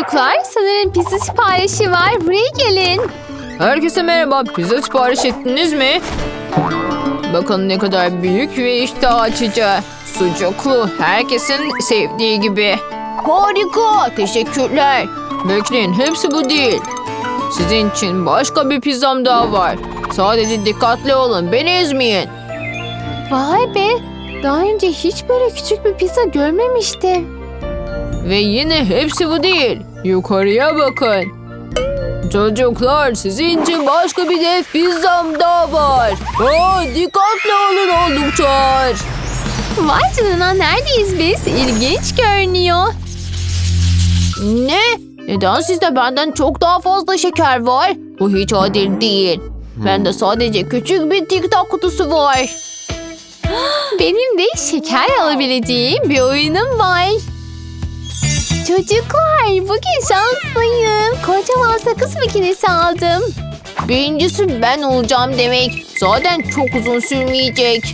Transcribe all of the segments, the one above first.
Çocuklar, sanırım pizza siparişi var. Buraya gelin. Herkese merhaba. Pizza sipariş ettiniz mi? Bakın ne kadar büyük ve iştah açıcı. Sucuklu. Herkesin sevdiği gibi. Harika. Teşekkürler. Bekleyin, hepsi bu değil. Sizin için başka bir pizzam daha var. Sadece dikkatli olun. Beni ezmeyin. Vay be. Daha önce hiç böyle küçük bir pizza görmemiştim. Ve yine hepsi bu değil. Yukarıya bakın. Çocuklar, sizin için başka bir dev pizzam daha var. Dikkatli olun oldukça. Vay canına, neredeyiz biz? İlginç görünüyor. Ne? Neden sizde benden çok daha fazla şeker var? Bu hiç adil değil. Bende sadece küçük bir TikTok kutusu var. Benim de şeker alabileceğim bir oyunum var. Çocuklar, bugün şanslıyım. Kocaman sakız makinesi aldım. Birincisi ben olacağım demek. Zaten çok uzun sürmeyecek.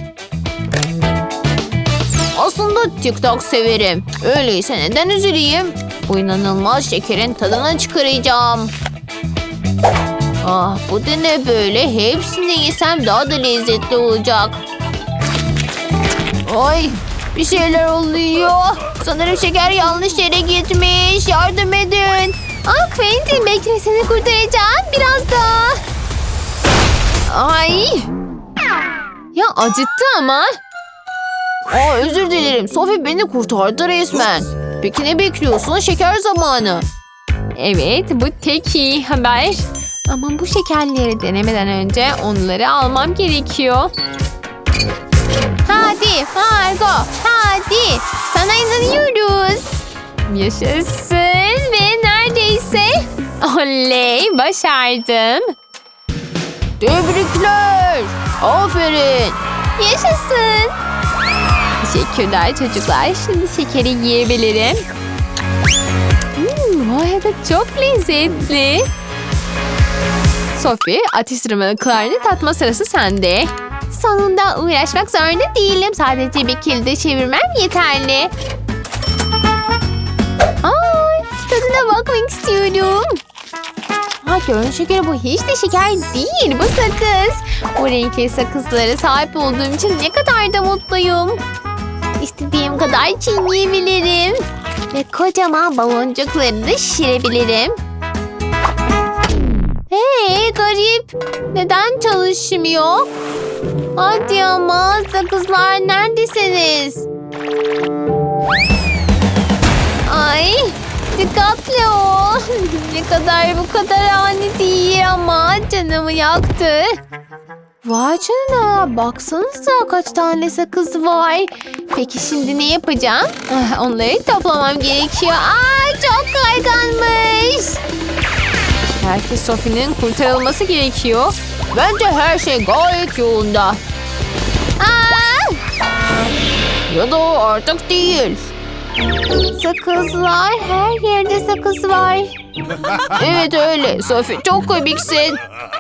Aslında TikTok severim. Öyleyse neden üzüleyim? Bu inanılmaz şekerin tadını çıkaracağım. Ah, bu da ne böyle? Hepsini yesem daha da lezzetli olacak. Ay, bir şeyler oluyor. Sanırım şeker yanlış yere gitmiş. Yardım edin. Quentin, bekle, seni kurtaracağım. Biraz daha. Ay. Ya acıttı ama. Özür dilerim. Sophie beni kurtardı resmen. Peki ne bekliyorsun? Şeker zamanı. Evet, bu tek iyi haber. Ama bu şekerleri denemeden önce onları almam gerekiyor. Hadi Margo, hadi. Sana inanıyoruz. Yaşasın ve neredeyse. Oley, başardım. Tebrikler. Aferin. Yaşasın. Teşekkürler çocuklar. Şimdi şekeri yiyebilirim. Bu arada çok lezzetli. Sophie, atıştırmalıklarını tatma sırası sende. Sonunda uğraşmak zorunda değilim. Sadece bir kilde çevirmem yeterli. Tadına bakmak istiyorum. Görün şekeri, bu hiç de şeker değil. Bu sakız. Bu renkli sakızlara sahip olduğum için ne kadar da mutluyum. İstediğim kadar çiğneyebilirim. Ve kocaman baloncuklarını da şişirebilirim. Hey, garip. Neden çalışmıyor? Hadi ama sakızlar, neredesiniz? Ay, dikkatli ol. Bu kadar ani değil ama canımı yaktı. Vay canına, baksanıza kaç tane sakız var. Peki şimdi ne yapacağım? Onları toplamam gerekiyor. Çok kayganmış. Belki Sophie'nin kurtarılması gerekiyor. Bence her şey gayet yolunda. Ya da artık değil. Sakızlar, her yerde sakız var. Evet öyle. Sophie, çok komiksin.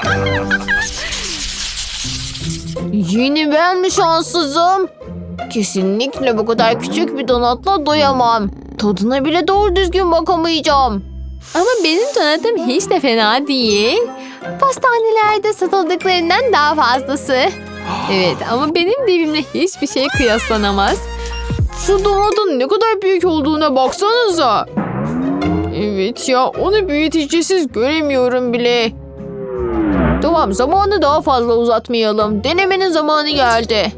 Yine ben mi şanssızım? Kesinlikle bu kadar küçük bir donatla doyamam. Tadına bile doğru düzgün bakamayacağım. Ama benim donatım hiç de fena değil. Pastanelerde satıldıklarından daha fazlası. Evet, ama benim dibimle hiçbir şey kıyaslanamaz. Şu donatın ne kadar büyük olduğuna baksanıza. Evet ya, onu büyütecesiz göremiyorum bile. Tamam, zamanı daha fazla uzatmayalım. Denemenin zamanı geldi.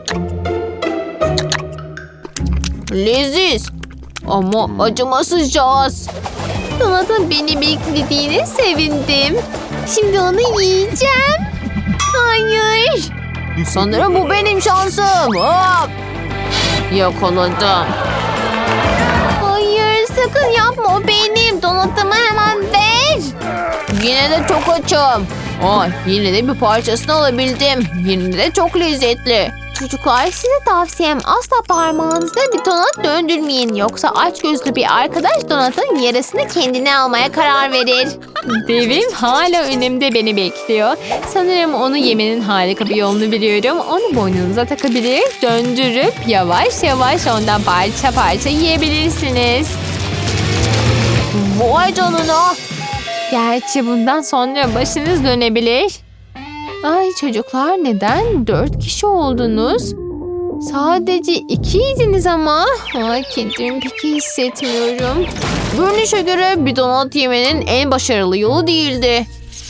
Leziz ama acımasızca az. Donatın beni beklediğine sevindim. Şimdi onu yiyeceğim. Hayır. Sanırım bu benim şansım. Hop! Yakaladım. Hayır, sakın yapma, o benim. Donatımı hemen ver. Yine de çok açım. Yine de bir parçasını alabildim. Yine de çok lezzetli. Çocuklar, size tavsiyem asla parmağınızda bir donat döndürmeyin. Yoksa açgözlü bir arkadaş donatın yarısını kendine almaya karar verir. Devim hala önümde beni bekliyor. Sanırım onu yemenin harika bir yolunu biliyorum. Onu boynunuza takabilir, döndürüp yavaş yavaş ondan parça parça yiyebilirsiniz. Vay canına. Gerçi bundan sonra başınız dönebilir. Ay çocuklar, neden 4 kişi oldunuz? Sadece 2'ydiniz ama. Ay, kendimi pek iyi hissetmiyorum. Görünüşe göre bir donat yemenin en başarılı yolu değildi.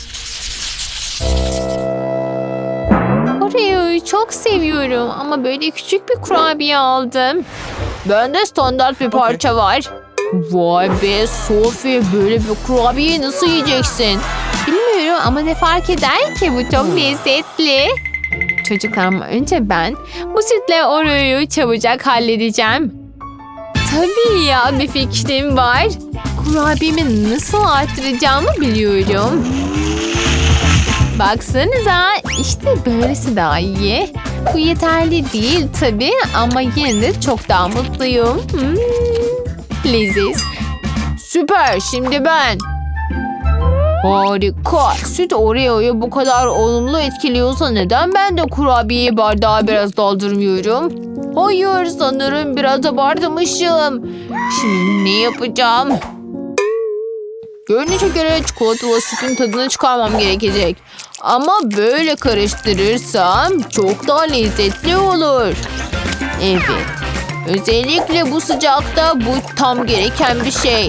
Oreo'yu çok seviyorum ama böyle küçük bir kurabiye aldım. Bende standart bir parça var. Vay be Sophie, böyle bir kurabiyeyi nasıl yiyeceksin? Bilmiyorum ama ne fark eder ki, bu çok lezzetli. Çocuklar, ama önce ben bu sütle Oreo'yu çabucak halledeceğim. Tabii ya, bir fikrim var. Kurabiyemi nasıl arttıracağımı biliyorum. Baksanıza, işte böylesi daha iyi. Bu yeterli değil tabii ama yine de çok daha mutluyum. Leziz. Süper, şimdi ben. Harika. Süt Oreo'yu bu kadar olumlu etkiliyorsa neden ben de kurabiyeyi bardağa biraz doldurmuyorum? Hayır, sanırım biraz abartmışım. Şimdi ne yapacağım? Görünüşe göre çikolatalı sütün tadını çıkarmam gerekecek. Ama böyle karıştırırsam çok daha lezzetli olur. Evet. Özellikle bu sıcakta bu tam gereken bir şey.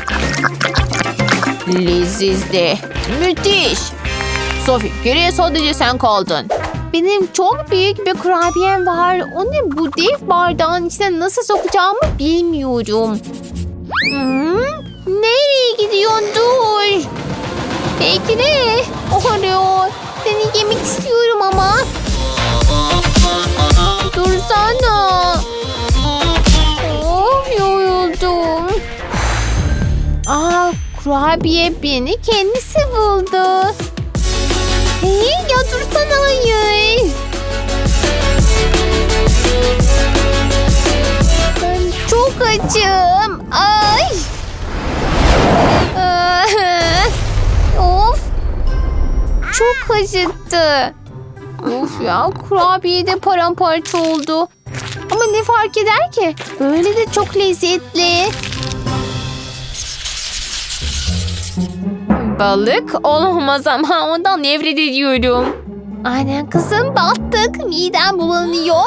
Lezizdi. Müthiş. Sophie, geriye sadece sen kaldın. Benim çok büyük bir kurabiyem var. Onu bu dev bardağın içine nasıl sokacağımı bilmiyorum. Nereye gidiyorsun? Dur. Bekle. Oreo, seni yemek istiyorum ama. Dursana. Of, yoruldum. Aa, kurabiye beni kendisi buldu. Hey, ya dursana, hayır. Ben çok açım. Ay. Of. Çok acıttı. Of ya, kurabiye de paramparça oldu. Ama ne fark eder ki? Böyle de çok lezzetli. Balık olamaz ama ondan nefret ediyorum. Aynen kızım, battık. Midem bulanıyor.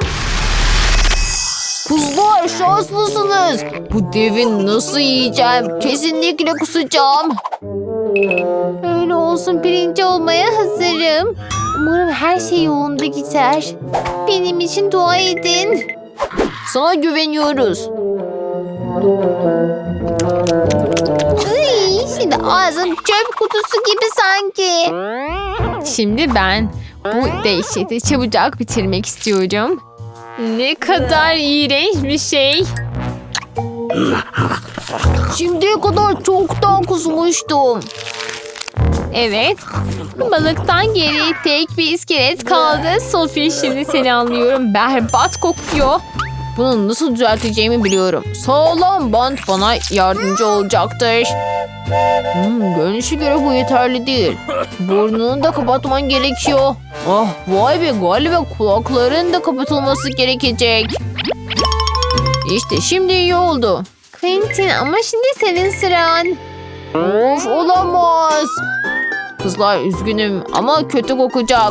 Kızlar, şanslısınız. Bu devi nasıl yiyeceğim? Kesinlikle kusacağım. Öyle olsun, birinci olmaya hazırım. Umarım her şey yolunda gider. Benim için dua edin. Sana güveniyoruz. Iy, şimdi ağzım çöp kutusu gibi sanki. Şimdi ben bu dehşeti çabucak bitirmek istiyorum. Ne kadar iğrenç bir şey. Şimdiye kadar çoktan kusmuştum. Evet. Balıktan geri tek bir iskelet kaldı. Sophie, şimdi seni anlıyorum. Berbat kokuyor. Bunu nasıl düzelteceğimi biliyorum. Sağlam bant bana yardımcı olacaktır. Görünüşe göre bu yeterli değil. Burnunu da kapatman gerekiyor. Ah, vay be, galiba kulakların da kapatılması gerekecek. İşte şimdi iyi oldu. Quentin, ama şimdi senin sıran. Of, olamaz. Kızlar, üzgünüm ama kötü kokacak.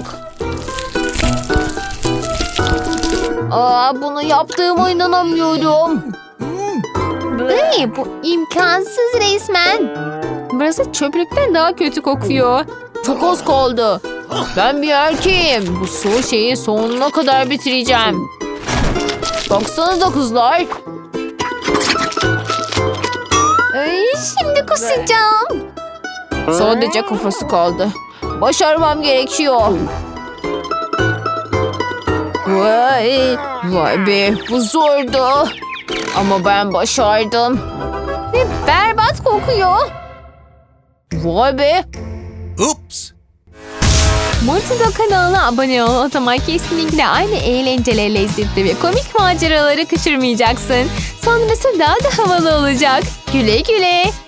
Aa, bunu yaptığıma inanamıyorum. Ay, bu imkansız resmen. Burası çöplükten daha kötü kokuyor. Çok az kaldı. Ben bir erkeğim. Bu soğuk şeyi sonuna kadar bitireceğim. Baksanıza kızlar. Ay, şimdi kusacağım. Sadece kafası kaldı. Başarmam gerekiyor. Vay be, bu zordu. Ama ben başardım. Ve berbat kokuyor. Vay be. Oops. Multido kanalına abone ol. O zaman kesinlikle aynı eğlenceli, lezzetli ve komik maceraları kaçırmayacaksın. Sonrası daha da havalı olacak. Güle güle.